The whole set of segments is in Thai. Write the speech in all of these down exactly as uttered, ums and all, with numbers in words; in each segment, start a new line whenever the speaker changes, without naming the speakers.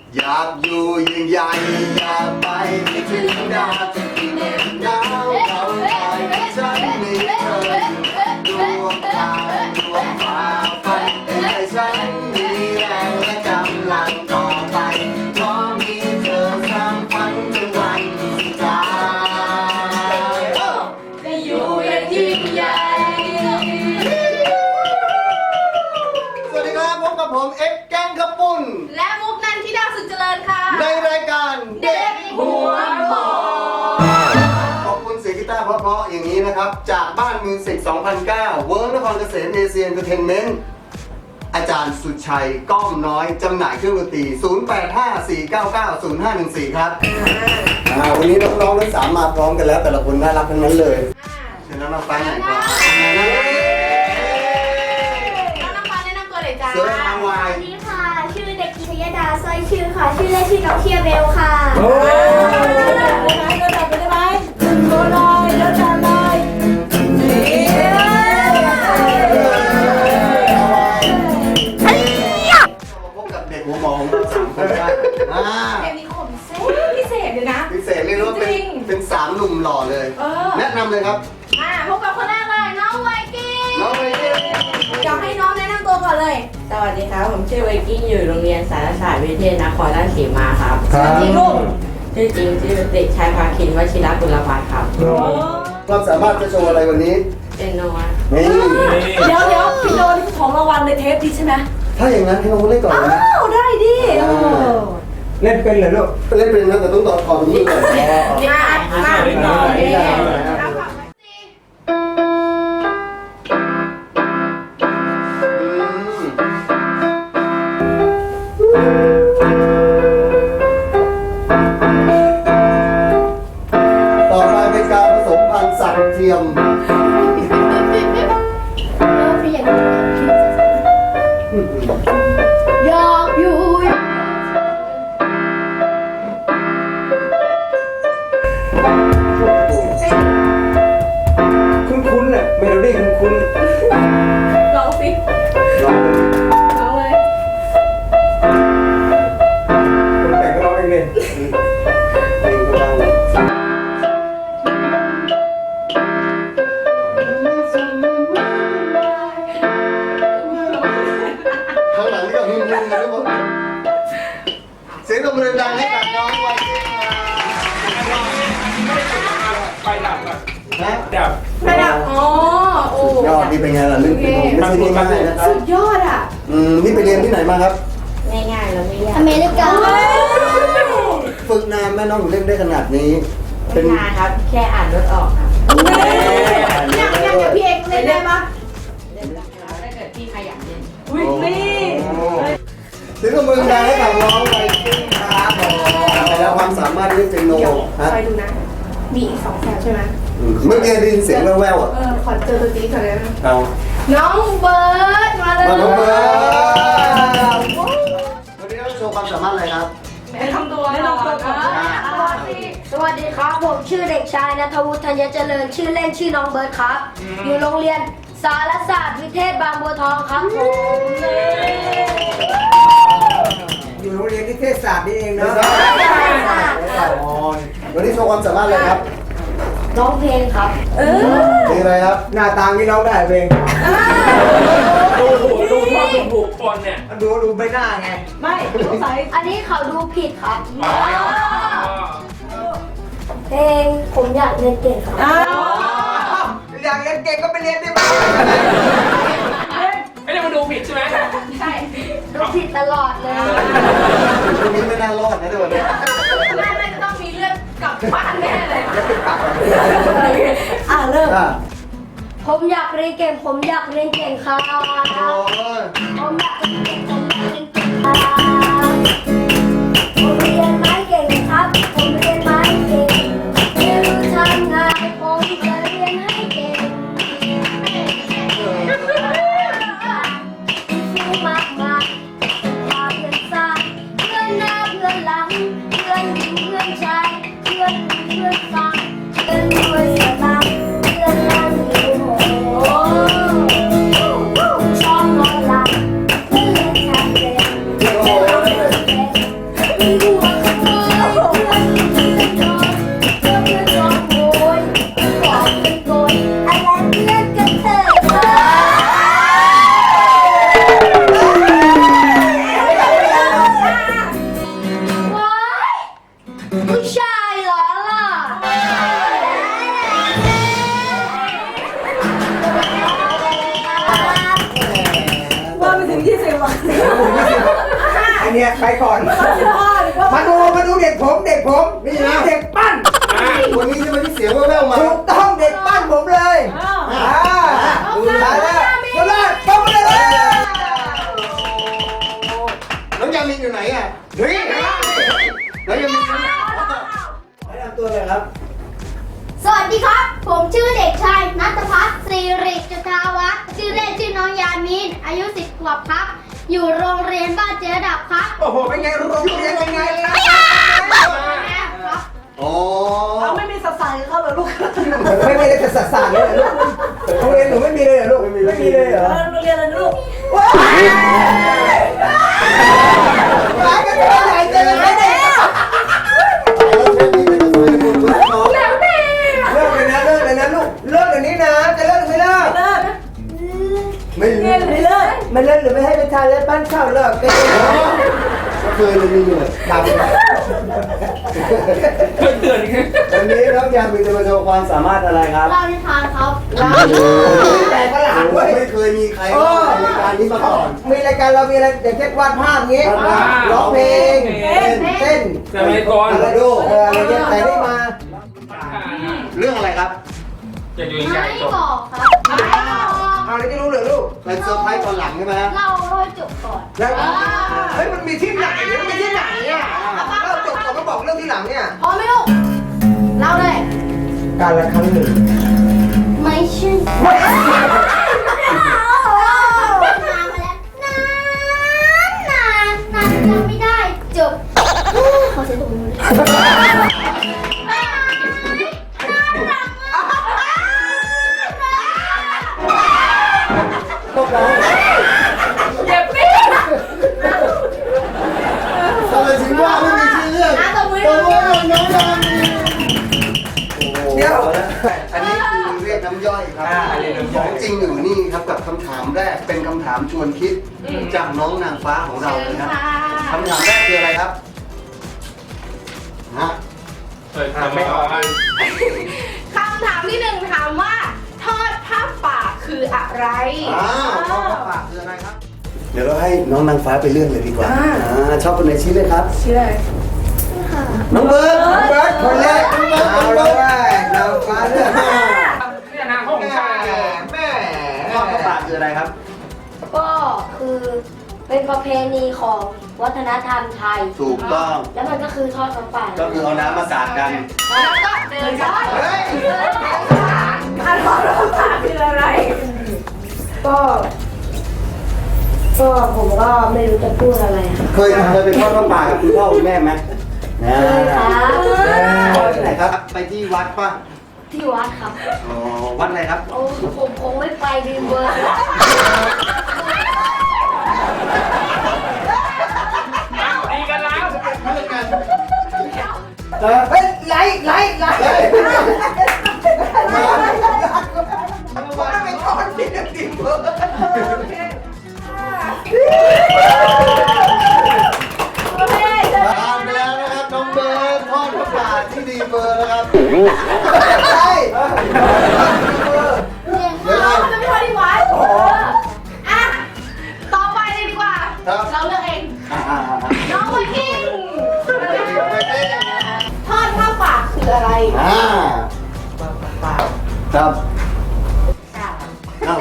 อยากอยู่ยิ่งใหญ่อยากไปไม่ถึงดาวจะกินเอ็มดาวเราไปฉันมีเธอดวงตาดวงฟ้าฝันให้ฉันมีแรงและกำลังต่อไปเพราะมีเธอสร้างฝันจนวันสุดท้ายจะอยู่อย่างยิ่งใหญ่สวัสดีครับพบกับผมเอ็กซ์แกงกระปุ่น
และมุกนันทิดาสุดเจริญค่ะ
ในรายการเด็กหัวหมอขอบคุณเสียงกีตาร์เพราะๆอย่างนี้นะครับจากบ้านมิวสิกสองพันเก้าเวิร์กนครเกษมเอเชียนเตอร์เทนเมนต์อาจารย์สุชัยก้อมน้อยจำหน่ายเครื่องดนตรีศูนย์ แปด ห้า สี่ เก้า เก้า ศูนย์ ห้า หนึ่ง สี่ครับวันนี้น้องๆทั้งสามมาพร้อมกันแล้วแต่ละคนน่ารักทั้งนั้นเลยเชิญน้องๆฟังหน่อยครับ
น้องน้ำฟ้าแนะนำตัวเลยจ้า
เสือทางวาย
สวัสดีค่ะชื่อเด็กหญิงชยดาสร้อยชื่อค่ะชื่อเล่นชื่อน้องเทียเบลค่ะ
โอ้ย
เดินแบบไปได้ไหมโดนเลยเดินแบบเลย
พบกับเด็กหัวหมอของเราสามคนครับ
เด็กมีขนเส้นพิเศษเลยนะ
พิเศษเรียกว่าเป็นเป็นสามหนุ่มหล่อเลยแนะนำเลยครับ
มาพบกับคนแรกเลยน้องไวกิ้ง
น้องไวกิ้ง
อยากให้น้องแนะนำตัวก่อนเลย
สวัสดีครับผมชื่อไวกิ้งอยู่โรงเรียนสารศาสตร์วิเทศนครราชสีมาครับ
จริงลูก
ชื่อจริงชื่อเด็กชายภาคินวชิรกุลภัทรครับ
ความสามารถจะโชว์อะไรวันนี้
เป็นโนวา
นี่
เดี๋ยวเดี๋ยวพี่โดนของรางวัลในเทปดีใช่ไหม
ถ้าอย่างนั้นให้น้องเล่นก่อนนะ
อ้าวได้ดิ
เล่นเป็นเหรอลูกเล่นเป็นนะแต่ต้องต่อคอตรงนี้ก่อน
มามาต่อเลย
ต่อไปเป็นการผสมพันธุ์สัตว์เทียม
อยากอยู่
คุ้นๆน่ะเมโลดี้คุ้น
ลองสิ
ๆลองเลย
ลองเลย
คนแต่งก็ร้องเองเลยเพลงก็ร้องเลยข้างหลังนี่ก็ฮึ่มๆนะทุกคนเสียงตบมือดังให้กับน้องไวกิ้ง
ไฟดับอ่ะ
นะ
ดับ
ระดับอ๋อโอ้
ยอดนี่เป็นไงล่ะเรื่องเป็นไม่ใช่ง่ายๆนะครับ
สุดยอดอ่ะ
อืมนี่ไปเรียนที่ไหนมาครับ
ง่ายๆแล้วไม่ยาก
อเมริกา
ฝึกนานแม่น้องถึงเล่นได้ขนาดนี้
เป็นงานครับแค่อ่านรถออกครับ
อยากอยากกับพี่เอกเล่นได้ปะ
เล่นได้ครับถ้าเกิดพี่ใครอยากเล่น
อุ้ยนี่
ถึงกับมือดังให้กับน้องไวกิ้งครับไปแล้วความสามารถเล่นเปียโนฮะ
คอยดูนะมีอีกสองแถวใช่ไหม
เมื่อกี้ได้ยินเสียงแว่วๆอ่ะ
เออขอเจอตัวจริงก่อนเลยนะ
เอา
น้องเบิร์ดมาเลย
มาน้องเบิร์ดวันนี้เราโชว์ความสามารถอะไรครับ
แนะนำตัวแนะนำตัวก่อน
สวัสดีครับผมชื่อเด็กชายณัฐวุฒิธัญเจริญชื่อเล่นชื่อน้องเบิร์ดครับอยู่โรงเรียนสารศาสตร์วิเทศบางบัวทองครับผม
อยู่โรงเรียนนิเทศศาสตร์นี่เองนะวันนี้โชว์ความสามารถอะไรครับ
ร้องเพลงครับ
เออ
เพลงอะไรครับหน้าตาที่ร้องได้เพลง
ดูหูดูชอบดูหูคนเนี่ย
ดูดูใบหน้าไง
ไม่สงสัย
อันนี้เขาดูผิดครับ
อ๋อ
เพลงผมอยากเรียนเก่งครับ
อยากเรียนเก่งก็ไปเรียนได้ไหม
ไม่ได้มาดูผิดใช่ไหม
ใช่
ดูผิดตลอดเลย
วันนี้ไม่น่ารอดนะเดี๋ยวนี้
แม่แม่จะต้องมีเลือดกลับบ้านแน่เลย
อ่ะเริ่ม
อ่ะ
ผมอยากเรียนเก่งผมอยากเรียนเก่งครับ
โอ้ย
ผมอยากเรียนเก่งผมอยากเรียนเก่งครับผมเรียนไม้เก่งครับผมเรียนไม้เก่งไม่รู้ทำไงผมจะเรียนให้เก่งฟูมากมายพาเพื่อนซ้ายเพื่อนหน้าเพื่อนหลังเพื่อนหญิงเพื่อนชายเพื่อนเพื่อนฟังเพื่อนรวยเสียตังค์เพื่อนนั่งอยู่โอ้ชอบนอนหลับเพื่อนเล่นแท็บเล็ต
งยี่สิบวัน
อันเนี้ยไปก่อน
สิบห้าหรือว่า
มาดูมาดูเด็กผมเด็กผม
นี่นะ
เด็กปั้น
วันนี้จะมาที่เสียงแว่วๆมา
ถูกต้องเด็กปั้นผมเลย
อ้าว
อ่าดูแลแล้วดูแลป้องเลย
น้องยามินอยู่ไหนอ่ะเฮ้ยน้องยามิน
แนะนำตัวเลยครับ
สวัสดีครับ ผมชื่อเด็กชายณัฐพัฒน์สิริจุฑาวัฒน์ชื่อเล่นชื่อน้องยามีนอายุสิบขวบครับ อยู่โรงเรียนบ้านเจ๊ดับครับ
โอ้โหเป็นไงโรงเรียนเป็นไงล่ะ
ครับ
อ๋อ
เขาไม่มีสสารเขาเหรอลูก
ไม่ไม่ได้จะสัสานเลยเหรอลูกโรงเรียนหนูไม่มีเลยเหรอลูกไม่มีเลยเหรอ
โรงเรียนอะไรลูก
ว้าวร้ายกันเท่าไหร่เจอไหมเนี่ยเลิกเลยนะเลิกเลยนะลูกเลิกเดี๋ยวนี้นะจะเลิกหรือไม่เลิก
เลิกนะ
ไม่
เลิกหรือไม่เลิก
ไม่เลิกหรือไม่ให้ไปทานแล้วปั้นข้าวเลิกก็ได้
ก็เคยเลยมีเลย
ดำเลย
เพื่อนเตือนอีก
วันนี้น้องยามินจะมาโชว์ความสามารถอะไรครับ
เรานิทานครับ
แต่ก็หลานเว้ย
ไม่เคยมีใครเล่าในรายการนี้มาก่อน
มีรายการเรามีอะไรอย่างเช่นวาดภาพงี้
วาดภาพ
ร้องเพลง
เต้น
เต้น
สมัยก่อน
อะไรดูเอออะไรเงี้ยแต่ได้มา
เรื่องอะไรครับ
จะอยู่ใจ
ไม่
จบ
บอกครับไม่บอก
เอาอะไรจะรู้เหรอลูก
เป็นเซอร์ไพรส์ตอนหลังใช่ไหมฮะ
เราโรยจบก่อน
แล้วเฮ้ยมันมีที่ไหนมันมีที่ไหนเนี่ยเราจบก่อนก็บอกเรื่องที่หลังเนี่ย
พอไหมลูกเล่าเลย
การละครั้งหนึ่ง
ไม่ใช่นานมาแล้วนานนานนานนานจำไม่ได้จบขอเสียงตบมือด้วย
ตบแล้ว
เจ็บนี่
ทำไมถึงว่าไม่มีชื่อเรื่อง
อ่ะตบมือ
ตัวว่าน้องยามินโอ้โห
เดี๋ยว
อันนี้คือเรียกน้ำย่อยครับ
อ่าเรียกน้ำย่อย
ของจริงอยู่นี่ครับกับคำถามแรกเป็นคำถามชวนคิดจากน้องนางฟ้าของเราเลยครับคำถามแรกคืออะไรครับฮะ
เปิดทำไม่ออก
คำถามที่หนึ่งถามว่า ทอดผ้าป่าคืออะไร
อ้าวข้อปากคืออะไรครับ เดี๋ยวเราให้น้องนางฟ้าไปเลื่อนเลยดีกว่าอ่าชอบคนไหนชี้เลยครับ
ชื่ออะไร
น้องเบิร์ด
น้องเบิร์ดคนแรกเอาเลยเราฟ้าเลือก
เนี่ยนางห้องชาย
แม่
ข้อปากคืออะไรครับ
ก็คือเป็นประเพณีของวัฒนธรรมไทย
ถูกต้อง
แล้วมันก็คือทอดกระป๋า
ก็คือเอาน้ำมาสาดกัน
แล้วก็เดินช้อน
เฮ้ย
อันของเราผ่านคืออะไร
ก็ก็ผมก็ไม่รู้จะพูดอะไรค่ะ
เคยเคยไปทอดข้าวป่ากับคุณพ่อคุณแม่ไหมนะ
ครับ
ทอดที่ไหนครับ ไปที่วัดป่ะ
ที่วัดครับ
อ๋อ วัดอะไรครับ
โอ้ผมคงไม่ไปดีเบอร์
ดีกันแล้ว
เพื่อนกัน
เฮ้ยไล่ไล่ไล่ว่าไปก่อนที่จะดิมเบอร์
ผ่านไปแล้วนะครับน้องเบิร์ดทอดข้าวป่าที่ดีเบอร์นะครับ
ใช่
เดี๋ยวเรา
มันไม่ทอดที่วัดอ่ะต่อไปเลยดีกว่า
ครับ
เราเลือกเอง
อ่าอ่าอ่า
น้องไวกิ้ง
ไปเต้น
ทอดผ้าป่าคืออะไร
อ่าครับเอา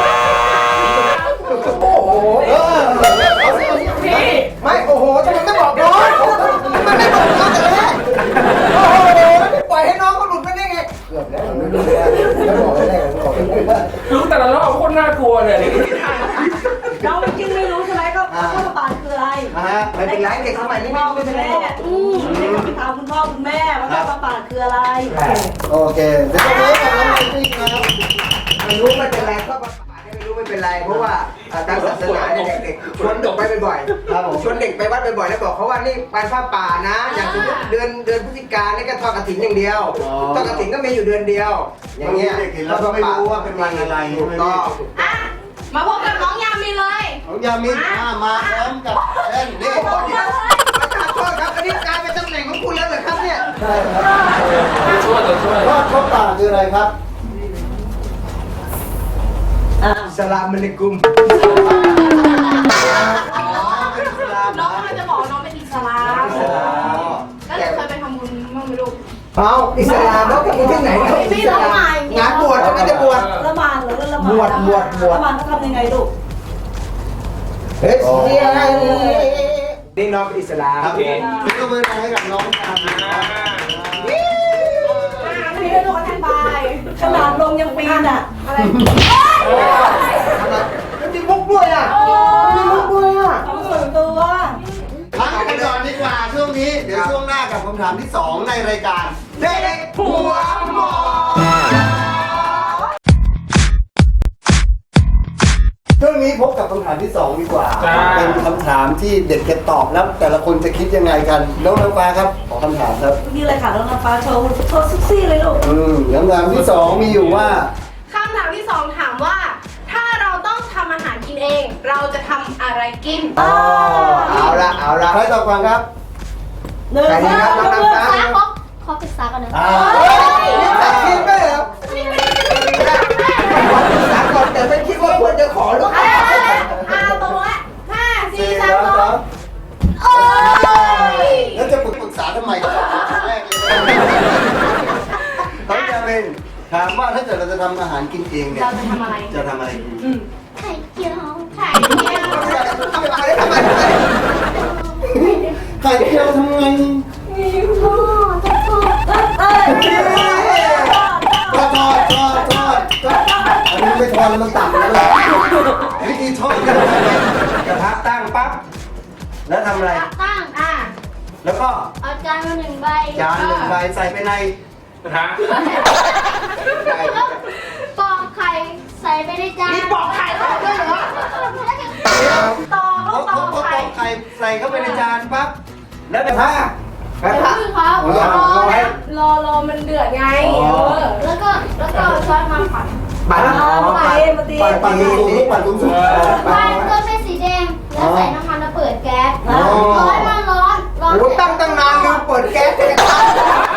โอ้โห
เออเอาสิเอาสิ
พี่
ไม่โอ้โหทำไมไม่บอกน้องมันไม่บอกน้องแต่แรกโอ้โหไม่ปล่อยให้น้องเขาหลุดไปได้ไงเกือบแล้วไม่รู้แล้วแล้วบอกไม่ได้แล้วบอกไม่ได้
รู้แต่ละรอบโคตรน่ากลัวเลยนี่
น้องจริงไม่รู้ใช่ไหมก็ข้าวปลาคืออะไร
นะฮะ
ไม่เป็นไรเด็กสมัยนี้
พ่
ไม่
อ
รู้
คุณ
ไม่เป็นไร
แม่อืมให้เขาไปถามคุณพ่อคุณแม่ว่าข้าวปลาคืออะไร
โอเคเดี๋ยวเราเริ่มกับน้องไมค์นะครับ
ไม่รู้ไม่เป็นไรก็ประกาศให้ไม่รู้ไม่เป็นไรเพราะว่าทางศาสนาเนี่ยเด็กๆชวนเด็กไปบ่อย
ครับผม
ๆชวนเด็กไปวัดบ่อยๆแล้วบอกเขาว่านี่ไปผ้าป่านะ อย่างสมมติเดือนเดือนพฤศจิกานี่ก็ทอดกฐินอย่างเดียวทอดกฐินก็มีอยู่เดือนเดียว อย่างเงี้ย
เด็กเห็นแล้วก็ไม่รู้ว่าเป็นวันอะไร
ถูกต้อง
อ่ะ มาพบกับน้องยามีเลย
น้องยามินอ่ามาพร้อมกับเต้นนี่
โอ้โหเดี๋ยวประธานโทษครับอันนี้กลายเป็นตำแหน่งของคุณแล้วเหรอครับเนี่ย
ใช่ครับ
ตัวช่วยตัวช่วย
ทอดข้าวป่าคืออะไรครับ
สลามอะลัยกุมเอาอิสลามเขาไปกินที่ไหนเขาอิสลามงานบวชจะไม่จะบวช
ละหมาดเหรอละหมาด
บวชบวชบวช
ละหมาดเขาทำยังไงลูก
เฮ้ยนี่น้องเป็นอิสลาม
ครับผมนี่ก็มือให้กับน้องกัน
พี่ได้รู้อธิบาย
ขนาดลงยังปีนอ่ะ
อะไร
มันมีมุกด้วยอ่ะมีมุกด้วยอ่ะ
เอาส่วนตัว
พักกันก่อนดีกว่าช่วงนี้ เดี๋ยวช่วงหน้ากับคำถามที่สองในรายการเด็กหัวหมอช่วงนี้พบกับคำถามที่สองดีกว่า เป็นคำถามที่เด็กจะตอบแล้วแต่ละคนจะคิดยังไงกันน้องน้ำฟ้าครับขอคำถามครับ
นี่เลยค่ะน้องน้ำฟ้าโชว์โชว์ซุกซี่เลยลูก
อืมคำถามที่สองมีอยู่ว่า
คำถามที่สองถามว่า ถ้าเราต้องทำอาหารกินเอง เราจะทำอะไรกิน
อ๋อเอาละเอาละ
ใครตอบก่อนครับ
หนึ่ง
ใครดีครับน้องน้ำฟ้า
ฟ้าขอขอปรึกษาก่อนนะ
อ่า
นี่ตัดคิดไหมเหรอสามก่อนแต่ไม่คิดว่าควรจะขอหรือเปล่า
อ่าตรงละห้าสี่
สี่
สาม
แล้ว
ส
ส
อ
อง ง
โอ้ย
แล้วจะปรึกษาทำไมก่อนแรกเลยต้องจะเป็นถามว่าถ้าเกิดเราจะทำอาหารกินเองเนี่ย
เราจะทำอะไร
จะทำอะไรกิน
ไข่เจียว
ไข่เจียว
ทำไมทำไม
ไข่เจียวทำไง
พ่อจะพ่อ
เอ้ย
ทอดทอดทอดทอดทอดอันนี้ไม่ทอดแล้วมันตักแล้วเลยวิธีทอดกัน
กระทะตั้งปั๊บ
แล้วทำอะไร
ตั้ง
อ่า
แล้วก็
เอาจานมาหนึ่งใบ
จานหนึ่งใบใส่ไปใน
ฮะ
ปอกไข่ใส่ไปในจาน
มีปอกไข่ด้วยเหรอตอก
เขา
ตอ
เขา
ก
เขา
ไข่
ตอกไข่ใส่เข้าไปในจานปั๊บแล้วกระทะ
กระ
เดี๋ยว
ทะ
พึ่งครับ
เอา
ร
อย่าง
อ
เอาไว้
นะ
รอรอมันเดือดไง
อ๋อ
เออ
แล้วก็แล้วก็เอาช้อนมาผัด
ปั่น
เอามาตีมาตี
ปั่นปั่นสูงๆปั่นสูง
ไฟก็ใช้สีแดง แล้วใส่น้ำมันแล้วเปิดแก๊ส
อ๋อ
ร้อนมันร้อนร้อน
โอ้ตั้งตั้งนานลืมเปิดแก๊สเลยกระทะ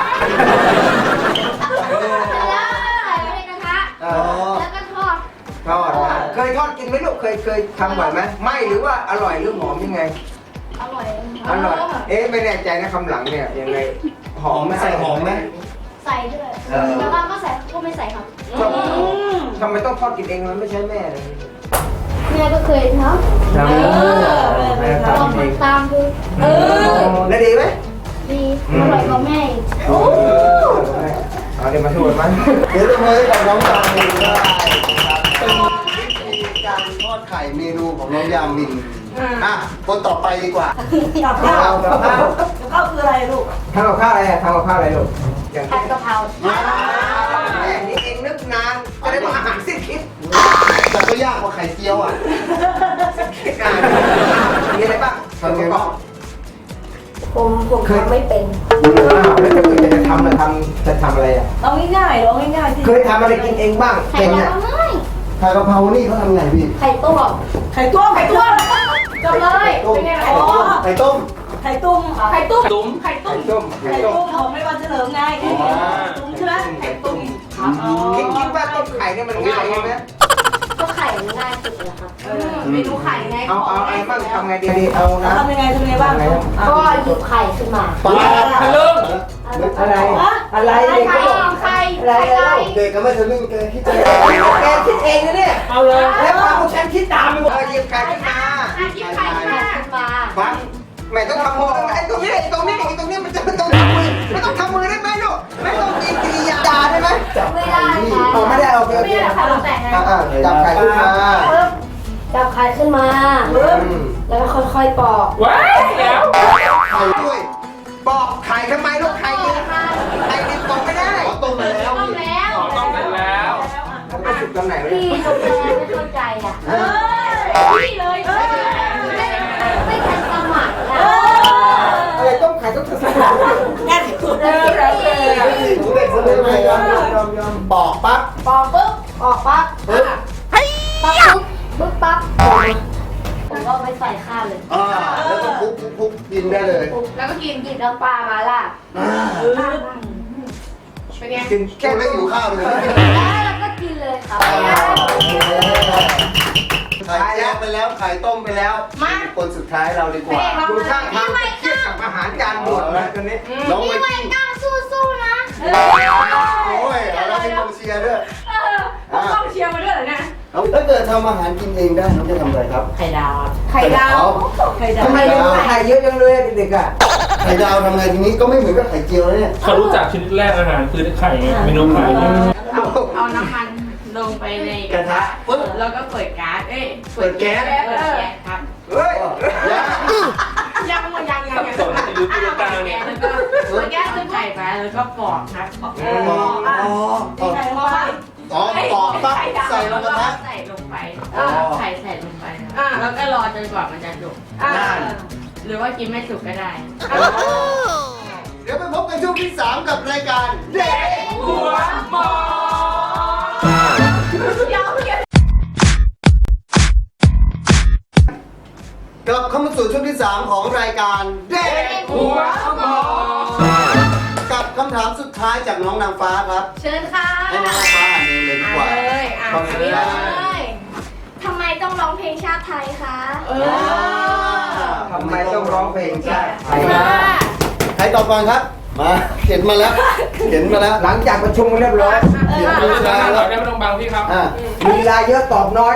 แล้วใส่ไปในกระทะ
ๆอ๋อ
แล้วก็ทอด
ทอดนะเคยทอดกินไหมลูกเคยเคยทำบ่อยไหมไม่หรือว่าอร่อยหรือหอมยังไง
อร่อย
อร่อย เอ๊ะไม่แน่ใจนะคำหลังเนี่ยยังไงห
ห
อ
อ
ม
ม
ไหม
ใส่หอมไหม
ใส่ด้วย
เออ
แล้วบางก็ใส่ก็ไม่ใส่ครับ
ชอบทำไมต้องทอดกินเองมันไม่ใช่แม่เลย
แม่ก็เคยท
ทำแม่
ำลอง
ทำเอง
ทำตามดู
เออ
แล้วดีไหม
ดีอร่อยกว่าแม่อีก
โอ้เอาเดี๋ยวมาชวนมั้ย
เดี๋ยวจะมาให้กับน้องยามินได้นะครับเป็นวิธีการทอดไข่เมนูของน้องยามินอ่ะคนต่อไปดีกว่า
กับข้าวกับข้าวกับข้าวคืออะไรลูก
ทำกับข้าวอะไรอะทำกับข้าวอะไรลูกอย่าง
ผัดกะเพรา
แม่นี่เองนึกนานจะได้มาอาหารสิ้นคิด
แต่ก็ยากกว่าไข่เจียวอ่ะ
คิดนานมีอะไรบ้าง
ทำไงบ้าง
ผมผมทำไม่เป็น
อ้าวแล้วจะจะทำจะทำจะทำอะไรอ่ะ
เอาง่ายๆเอาง่ายๆที่
เคยทำอะไรกินเองบ้าง
ไข่
เป็น
ดา
เนี่ยว
ง่าย
ไข่กะเพรานี่เขาทำไงพี่
ไข่ต้ม
ไข่ต้มไข่ต้ม
จบเลยเป็นไง
ไข่ต้มไข่ต้ม
ไข่ต้ม
ไข่ตุ้ม
ตุ้ม
ไข่ตุ้
ไข่
ม
ต้มไข่
ไข่
ต้
ต้
ม
มของไม่วันเฉลิมไงไข่ต้มใช่ไหม
ไข่ต้มคิดคิดว่าต้มไข่เนี่ยมันง่ายใช่ไหม
ก็ไข่ง่ายสุดเลยครับ
เมนูไข่ไง
เอาเอาไอ้บ้างทำไงดีดีเอานะ
ทำยังไงทำยังไงบ้าง
ก็หยิบไข่ขึ้นมา
ปลา
ทะลึ่ง
อะไรอะไร
ไข่
เด็ก
ไข่
ก็บอก
ไข่
อะไร
ไข่
แล้ว
เด็กก็ไม่ทะลึ่งแกคิดจะ
แกคิดเองนะเนี่ย
เอาเลย
แล้วพาพวกฉันคิดตามไปหมดหยิบไข่ขึ้นมา
อ่ะหยิบไข่ขึ้นมา
ขึ้นมา
ฟังไม่ต้องทำมือไอ้ตรงนี้ไอ้ตรงนี้ไอ้ตรงนี้มันจะไม่ต้องทำมือไม่ต้องทำมือได้ไหมลูกไม่ต้องกินกิริยาได้ไหม
ไม่ได้ค่ะ
อ๋อไม่ได้โอเคโอเค
นี่แหละค่ะเราแต่งไง
อ่าจับไข่ขึ้นมา
ปึ๊บจับไข่ขึ้นมาปึ๊บแล้วก็ค่อยๆปอก
ว้ายเดี๋ยว
ไข่ด้วย
บอกไข่ทำไมลูกไข่ดิบไข่ดิบบอกไม่ได้
ขอต้มมาแล้ว
ต้มแล้ว
ขอต้องกันแล้ว
มันไปสุดตรงไหนวะ
พี่
เนี่ย
ทำไมไม่เข้าใจอ่ะ
เอ้ย
นี่เลยเออ
ไม่ทันสมัคร
เอ
นะ
อ
อะไรต้มไข่ต้องสุด
แง่สุดเลย
ผู้เด็กคนนี้ยอมยอมยอมบอกปั๊บ
ปอกปุ๊บออกปั๊บ
ปึ๊บ
ปั๊บปุ๊บปุ๊บปั๊บผมก็ไปใส่ข้าวเลย
อ่าแล้วก็คลุกคลุกคลุกกินได้เลย
แล้วก็กิน
หยิบน้ำปลามาล่ะ
อ่า
เป็นไง
กิน
แค่ไม่หิวข้าวเลย
แล้วก็กินเลยครับ
ไข่แยกไปแล้วไข่ต้มไปแล้ว
มา
คนสุดท้ายเราดีกว่า
ดูท่าทางเครียดกับอาหารจานหมดนะตอนนี้
น้อง
พี่
ไว
ไว
กิ้ง
ก้าสู้ๆนะ
โอ้ยเราเป็นกองเชียร์ด้วย
เออผมต้องเชียร์มาด้วยเหรอเนี่ย
แล้วถ้าเกิดทำอาหารกินเองได้น้องจะทำอะไรครับ
ไข่ดาวครับ
ไข่ดาว
ไข่ดาว
ทำไมเลี้ยงไข่เยอะจังเลยเด็กๆอ่ะ
ไข่ดาวทำไงทีนี้ก็ไม่เหมือนกับไข่เจียวแล้วเนี่ย
เขารู้จักชนิดแรกอาหารคือไข่เมนูไข่
เอาเอาน้ำมันลงไปใน
กระทะปึ๊บ
แล้วก็เปิดก๊าซเอ้ย
เปิดแก๊ส
เปิดแก๊สครับ
เฮ้ย
ยังหมดยังยัง
สับ
ยัง
สนในยุคกลางเนี่ย
แล้วก็เปิดแก๊สใส่ไปแล้วก็ปอกครับปอก
อ๋ออ๋ออ๋อ
ไข่ลงไป
อ๋อปอกปั๊บใส่ลงกระทะ
ใส่ลงไป
อ๋อ
ไข่ใส่ลงไปครับแล้วก็รอจนกว่ามันจะสุก
อ่า
หรือว่ากินไม่สุกก็ได้
เดี๋ยวไปพบกันช่วงที่สามกับรายการเด็ก
หัวหมอ
เดี๋ยวเดี๋ยว
กลับเข้ามาสู่ช่วงที่สามของรายการเด็ก
หัวหมอ
กับคำถามสุดท้ายจากน้องนางฟ้าครับ
เชิญค่ะ
ให้น้องนางฟ้าอ่านเองเลยดีกว่า
อ่านเลยอ่าน
ความสนใจ
เลย
ทำไมต้องร้องเพลงชาติไทยคะ
เออ
ทำไมต้องร้องเพลงชาติไทย
มา
ใครตอบก่อนครับ มาเขียนมาแล้วเขียนมาแล้ว
หลังจากประชุมกันเรียบร้อย
เขียน
ไม่
มา
ต้อง
แล้ว
บังไม่ต้องบังพี่ครับ
อ่ะ
มีเวลาเยอะตอบน้อย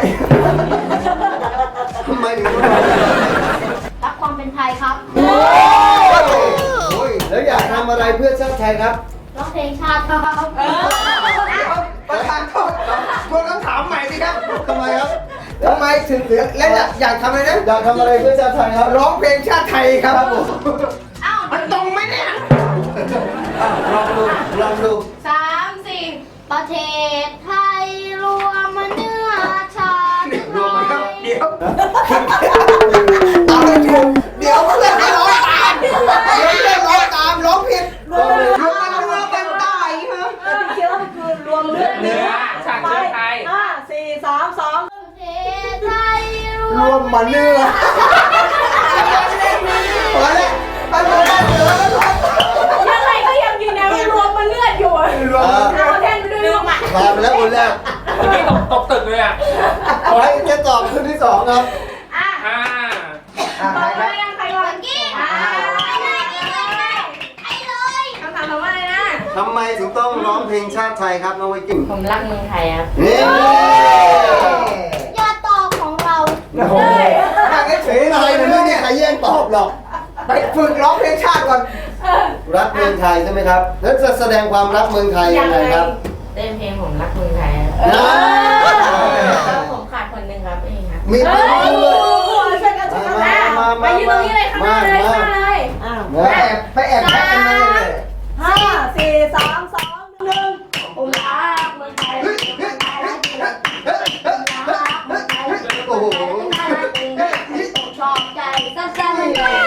ทำไมถึงต้อง
รักความเป็นไทยครับ
โอ้ยแล้วอยากทำอะไรเพื่อชาติไทยครับ
ร้องเพลงชาติครับ
ประธานโทษทวนคำถามใหม่สิครับ
ทำไมครับ
ทำไมถึงเหลือและอยากอยากทำอะไรนะ
อยากทำอะไรเพื่อชาติไทยครับ
ร้องเพลงชาติไทยครับผม
เอ้า
มันตรงไหมเนี่ย
อ่ะลองดูลองดู
สามสี่
ประเทศไทยรวมเนื้อชาติไทย
เดี๋ยวเอาไปถูกเดี๋ยวเพื่อนไม่ร้องตามเดี๋ยวเพื่อนร้องตามร้องผิดรวมมันเนื้อเป็นใต้ฮะ
เคี้ยวคือรวมเลือด
เนื้อฉากเชื้อไทย
ห้าสี่สามสอง
ประเทศไทยร
ร
ว
ว
ม
มมันเนื้อพอแล้วไปหมดแล้วเหลือแล้ว
ยังไงก็ยังยืนยันว่ารวมมันเลือดอยู่อะ
รวม
เอาแทนไปด้วยรวมอ่ะ
ผ่านไปแล้วคนแรก
เมื่อกี้ตกตกตึกเลยอ่ะ
ขอให้จะตอบคนที่สองครับ
อ่ะ
อ่า
อ่ะ
ต่อ
ใคร
ไป
ครับ
ยังใครก่อน
กี้
อ่า
ไปเลยไปเลยไปเลย
คำถามถามว่าอะไรนะ
ทำไมถึงต้องร้องเพลงชาติไทยครับน้องไวกิ้ง
ผมรักเมืองไทยครับ
นี่
ยอดตอบของเรา
โอ้โหนั่งเฉยๆ
อะไร
เลย
เนี่ยไม่
เนี่
มี
ย
ใครแย่งตอบหรอก
ไปฝึกร้องเพลงชาติก่อน
รักเมืองไทยใช่ไหมครับ แล้วจะแสดงความรักเมืองไทยยังไงครับ
เต้นเพลงผมรักเมืองไทยครับ
นะ
แล้วผมขาดคนหนึ่งครับนี่ครับ
มีคนรู้เลย
ช่วยกันช่วยกัน
มามามา
ไปยืนตรงนี้เลยข้างหน้าเลยข้างหน้าเลย
อ้าว
ไปแอบไปแอบแท็กกันมาเลย
ห้าสี่สามสองหนึ่ง
ผมรักเมืองไทย
โอ้โห
ชอบใจสั้นๆเลย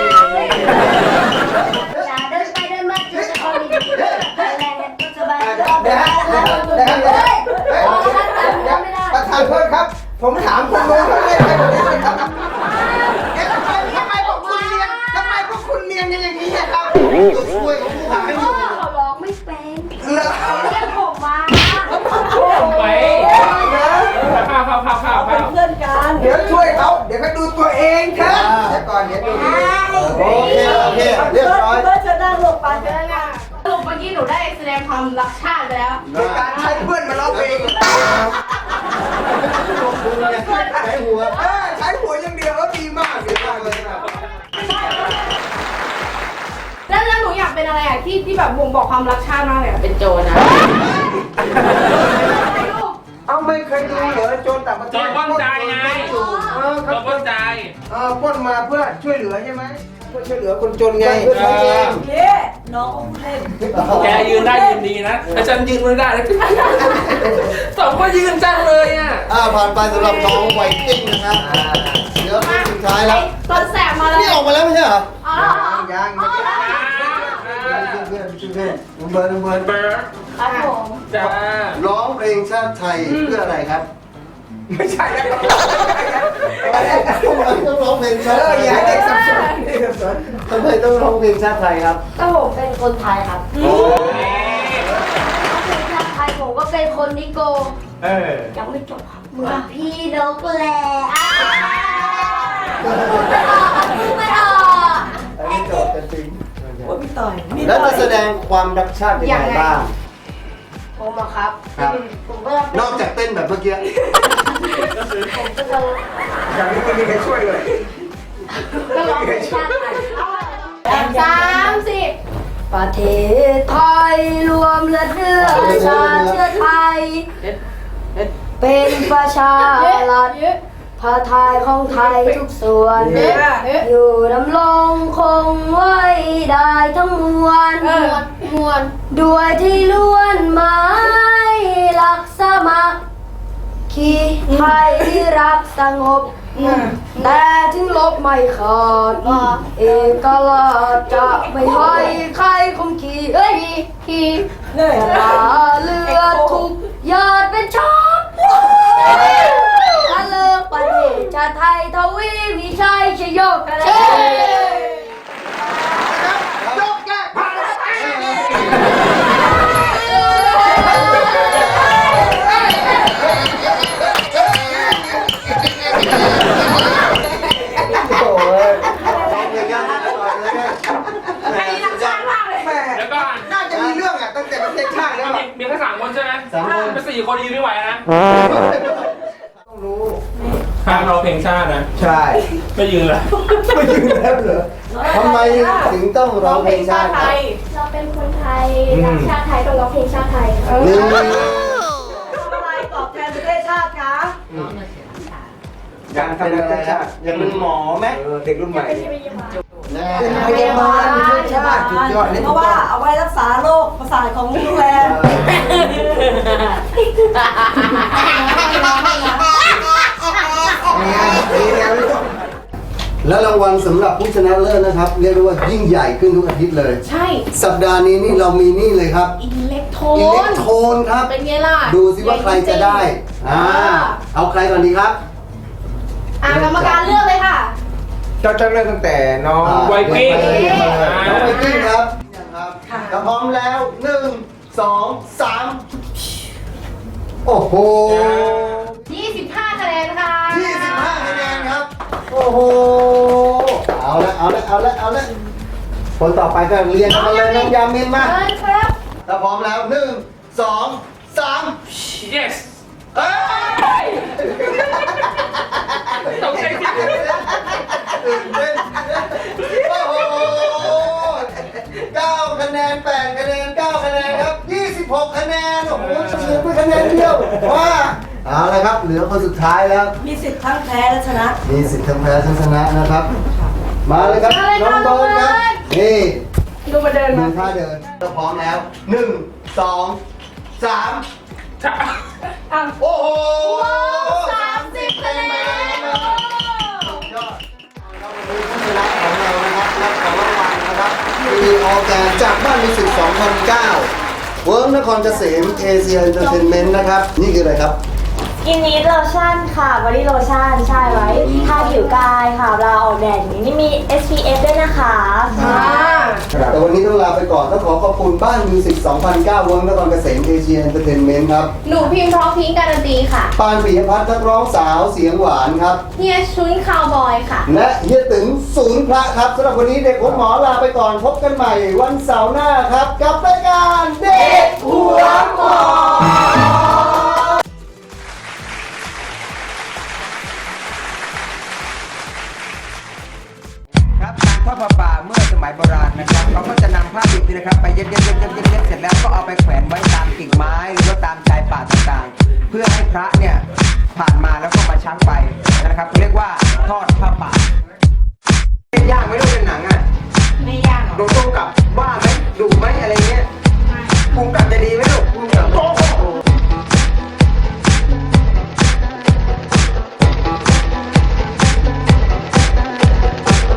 อย่าเดินไปเดินมาจุดจะคอยดีๆแรงเนี่ยสบาย
เดี๋ยวเดี๋ยวเดี๋ยวเดี๋ยวประธานโทษครับ ผมถามคุณรู้เขาเรียกใครผมได้ไหมครับเอ๊ะทำไมทำไมพวกคุณเรียนทำไมพวกคุณเรียนกันอย่างนี้อะครับ
ตัวช่วยของผู้หายอยู่
เขาร้องไม่เป็น
เหรอ
เรียกผมมา
ไปข้าวข้าวข้าวข้าว
เป็
ข้าน ว
เพื่อนกัน
เดี๋ยวช่วยเขาเดี๋ยวเขาดูตัวเองเถอะเดี๋ยวก่อนเดี๋ยวดู
โอเคโอเคเรียบร้อย
เพื่อนจะนั่งลงไป
เดินอ่ะสรุปเมื่อกี้หนูได้แสดงความรักชาติไปแล้ว
โดยการใช้เพื่อนมาร้องเพลง
ใช้หัว
เออใช้หัวอย่างเดียวก็ดีมากดีมากเลยครับ
แล้วแล้วหนูอยากเป็นอะไรอ่ะที่ที่แบบบ่งบอกความรักชาติมากเลยอ่ะ
เป็นโจรนะ
เอาไม่เคยดูเหรอโจรต่างประเท
จอ
ศ
ดป้องใจไง
เออ
จอดป้องใจ
เออปล้นมาเพื่อช่วยเหลือใช่ไหมเพื่อช่วยเหลือคนจนไง
เพื่อใช้เอง
เย้น้องเล่น
แกยืนได้ยืนดีนะแต่ฉันยืนไม่ได้เลยสองก็ยืนจังเลยอ่ะ
อ่าผ่านไปสำหรับน้องไวกิ้งนะครับเดี๋ยวคนสุดท้ายแล้ว
ตอนแสบมาเลย
นี่ออกมาแล้วไม่ใช่เหรอ
อ๋อ
ยังยัง
เพื่อนเพื่อนเพื่อนน้องเบิร์ดน้องเบิร์ด
เบิร์ด
ครับผม
จ้า
ร้องเพลงชาติไทยเพื่ออะไรครับ
ไม่ใช่แล้ว
ทำไมต้องร้องเพลง
เอ
ชาติ
อ
ไทย
อย่าให้เด็กสับสนเด็กสับสน
ทำไมต้องร้องเพลงชาติไทยครับ
ก็ผมเป็นคนไทยครับ
โอ้
เป็นชาติไทยผมก็เป็นคนนิโก
เออ
ยังไม่จบครับเหมือนพี่นกแหละอ่ะพูดไม่ออกพูดไม่ออก
อันนี้จบกันจริง
โอ้พี่ต่อยมี
แล้วจะแสดงความรักชาติยังไงบ้าง
ผมอะครับ
ครับ
ผมก็จะเป็น
นอกจากเต้นแบบเมื่อกี้
ผมก็จะ
อย่างนี้ไม่มีใครช่วยเลย
ก็ร้องเพลงชาติไทย
สามสิบ
ประเทศไทยรวมเลือดเนื้อชาติเชื้อไทย เป็นประชารัฐพระไทยของไทยทุกส่วน อยู่ดำรงคงไว้ได้ทั้งมวล
มวลมวล
ด้วยที่ล้วนหมายรักสมัครคีไทยที่รักสงบ แต่ถึงลบไม่ขาดเอกราชจะไม่ให้ใครคมขีเอ้ยขีจะลาเลือดทุกหยาดเป็นชอบถ้าเลิกประเทศชาติไทยทวีวิชัยชยโยกเช
ยกแก้ผ่านโอ้ย
ร้องเพลงยากไปก่อนเลยเนี่ย
อันนี้รักชาติมากเลย
แม่
แล้วก็
น่าจะมีเรื่องอ่ะตั้งแต่ประเทศชาติแล้ว
มี
อะ
มีแค่สามคนใช่ไหม
สามคน
เป็นสี่คนยืนไม่ไหวนะ
ต้องรู้
ห้ามเราเพลงชาตินะ
ใช่
ไม่ยืนเลย
ไม่ยืนแล้วเหรอ
ทำไมถึงต้องร้องเพลงชาติครับ
เราเป็นคนไทยรักชาติไทยต้องร้องเพลงชาติไทย
หนึ่ง
ทำอะไรตอบแทนประเทศชาติคะ
อยากทำอะไรชาติ
อยากเป็นหมอไหม
เออเด็กรุ่นใหม่
แน่
เป็นพยาบาลประเทศชาติสุดยอดเลย
เพราะว่าเอาไว้รักษาโรคประสาทของลูกแรม
แล้วรางวัลสำหรับผู้ชนะเลิศนะครับ เรียกได้ว่ายิ่งใหญ่ขึ้นทุกอาทิตย์เลย
ใช่
สัปดาห์นี้นี่เรามีนี่เลยครับ
อิเล็กโท
อิเล็ก
น
โทนครับ
เป็นไงล่ะ
ดูสิว่าใครจะได้อ่าเอาใครก่อนดีครับ
อ่ากรรมการเลือกเลยค่ะ
เจ้าจะเริ่มตั้งแต่น้อง
อ่า
ไวกิ้ง
น้องไวกิ้งครับครับถ้าพร้อมแล้วหนึ่งสองสามโอ้โห
ยี่สิบห้าคะแนนค่ะ
ยี่สิบห้าคะแนนครับ โอ้โห เอาละเอาละเอาละเอาละคนต่อไปก็เรียนกันมาเลยน้องยามินมา
เชิญครับ
ถ้าพร้อมแล้วหนึ่งสองสาม
yes
เอ้ย
ตกใจจริง
ตื่นเต้นโอ้โหเก้าคะแนนแปดคะแนนเก้าคะแนนครับยี่สิบหกคะแนน โอ้โหเฉียดไปคะแนนเดียวว่าเอาละครับ เหลือคนสุดท้ายแล้ว
มีสิทธิ์ทั้งแพ้และชนะ
มีสิทธิ์ทั้งแพ้ทั้งชนะนะครับ มาเลยครับ น้องโดนครับ นี่
ดูมาเดิน
ดู
มา
ท่าเดินเราพร้อมแล้วหนึ่งสองสาม
จ้ะ
อ่ะ
โอ้โห
สามสิบคะแนน
ยอดเราวันนี้ผู้ชนะของเรานะครับรับของรางวัลนะครับมีออแกนจากบ้านมิวสิกสองพันเก้าเวิร์กนครเกษมเอเชียเอนเตอร์เทนเมนต์นะครับ นี่คืออะไรครับ
กินนี้โลชั่นค่ะบอดี้โลชั่นใช่ไว้ทาผิวกายค่ะเวลาออกแดดอย่างนี้นี่มี เอส พี เอฟ ด้วยนะคะ
อ่า
แต่วันนี้ต้องลาไปก่อนต้องขอขอบคุณบ้านมิวสิกสองพันเก้าเวิร์กนครเกษมเอเชียเอนเตอร์เทนเมนต์ครับ
หนูพิมพ์พร้อมพิงค์การันตีค่ะ
ปานปิยพัฒน์นักร้องสาวเสียงหวานครับ
เฮียชุนคาวบอยค่ะ
และเฮียตึงศูนย์พระครับสำหรับวันนี้เด็กหัวหมอลาไปก่อนพบกันใหม่วันเสาร์หน้าครับกับรายการเด็กหัวหมอ
ครับการทอดผ้าป่าเมื่อสมัยโบราณนะครับเขาก็จะนำผ้าดิบนี่นะครับไปเย็บเย็บเย็บเย็บเย็บเย็บเสร็จแล้วก็เอาไปแขวนไว้ตามกิ่งไม้หรือว่าตามชายป่าต่างๆ เพื่อให้พระเนี่ยผ่านมาแล้วก็มาชักไปนะครับเรียกว่าทอดผ้าป่า